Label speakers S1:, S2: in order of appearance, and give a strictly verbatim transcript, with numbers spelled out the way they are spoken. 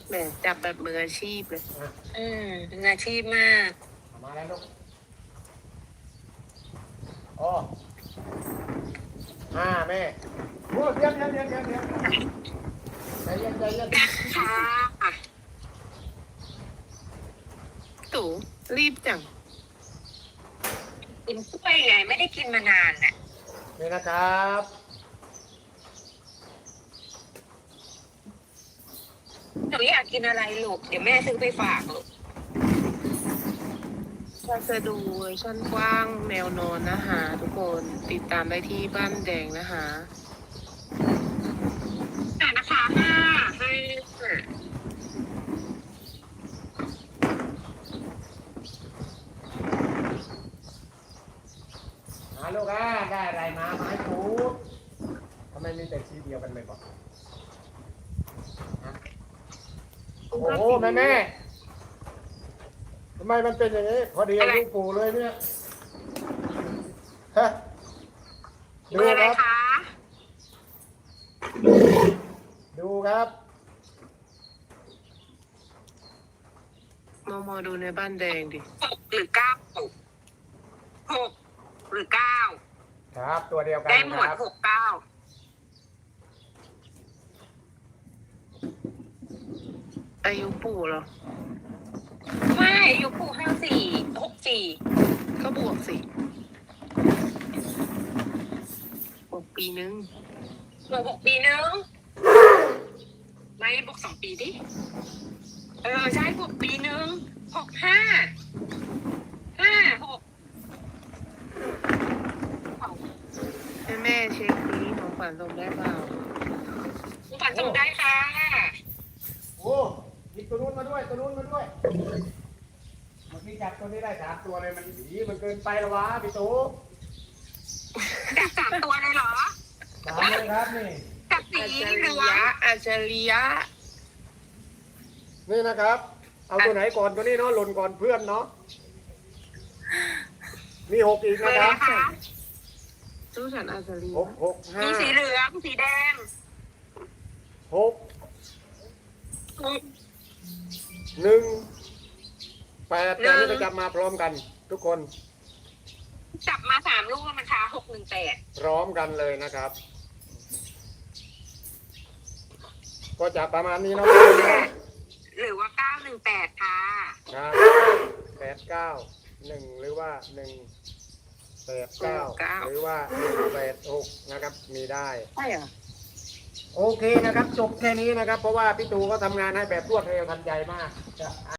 S1: แหมจับแบบมืออาชีพเลย
S2: อ่ะ
S3: อืมเป็นอาชีพมาก
S2: เอามาแล้วลูกอ๋อห้าแม่โอ้เดี๋ยวเดี๋ยวเดี๋ยวเดี๋ยวเดี๋ยวใจเย็นใจเย็น
S3: ค่ะ
S1: ตู่รีบจัง
S3: กินกล้วยไงไม่ได้กินมานานน่ะ
S2: นี่นะครับ
S3: หนูอยากกินอะไรลูกเดี๋ยวแม่ซื้อไปฝากลูก
S1: ถ้าจะดูเวอร์ชันกว้างแนวนอนนะคะทุกคนติดตามได้ที่บ้านแดงนะคะ
S3: อ่ะนะคะห้าห้า
S2: หาลูกอ่ะได้อะไรมาไม้ถูกทำไมมีแต่สีเดียวกันเลยบอกฮะโอ้โหแม่แม่ทำไมมันเป็นอย่างนี้ พอดีอายุปู่เลยเนี่ยฮะ
S3: เบอร์อะไร
S2: ครั
S3: คะ
S2: ดูครับ
S1: มอมอดูในบ้านแดงดิ
S3: หกหรือเก้าหกหรือเก้า
S2: ครับตัวเดียวกัน
S3: ได้หม
S2: คว
S3: ด
S2: รับ
S3: หกเก้า
S1: อายุปู่เหรอ
S3: ไม่อายุปู่ห้าสี่หกสี่
S1: ก็บวกสิบวกปีนึง
S3: บวกหกปีนึงไม่บวกสองปีดิเออใช่บวกปีนึงหกห้าห้าหก
S1: แม่แม่เช็คนี้ของขวัญส่งได้เปล่า
S3: คุณฝันส่งได้ค่ะ
S2: โอ้หยิบตัวนู้นมาด้วย ตัวนู้นมาด้วยเมื่อกี้จับตัวนี้ได้สามตัวเลยมันผีมันเกินไปแล้ววะพี่ตู่
S3: จับสามตัวเลยเหรอ
S2: สามเลยครับนี่
S3: จับสี
S1: อัจฉ
S3: เหลื
S1: ริ
S3: อง
S1: ยะอัจฉริยะ
S2: นี่นะครับ เอาตัวไหนก่อนตัวนี้เนาะหล่นก่อนเพื่อนเนาะมีหกอีก
S3: เบอ
S2: นะ
S3: ร์
S2: ค
S3: อะไร
S2: รับ
S3: คะ
S1: ตู้ฉันอัจฉริ
S2: ห
S1: ยะ
S2: กหกห้า
S3: มีสีเหลืองสีแดง
S2: หกหนึ่งแปดแต่นี่จะจับมาพร้อมกัน ทุกคน
S3: จับมาสามลูกแล้วมันคะหกหนึ่งแปด
S2: พร้อมกันเลยนะครับ ก็จะประมาณนี้เนาะ
S3: หรือว่าเก้าหนึ่งแปดค่ะ
S2: ครับแปดเก้าหนึ่งหรือว่าหนึ่งแปดเก้าหรือว่าหนึ่งแปดหกนะครับ มีได้
S1: ใช่เหรอ
S2: โอเคนะครับ จบแค่นี้นะครับ เพราะว่าพี่ตูก็ทำงานให้แบบรวดเร็วทันใจมาก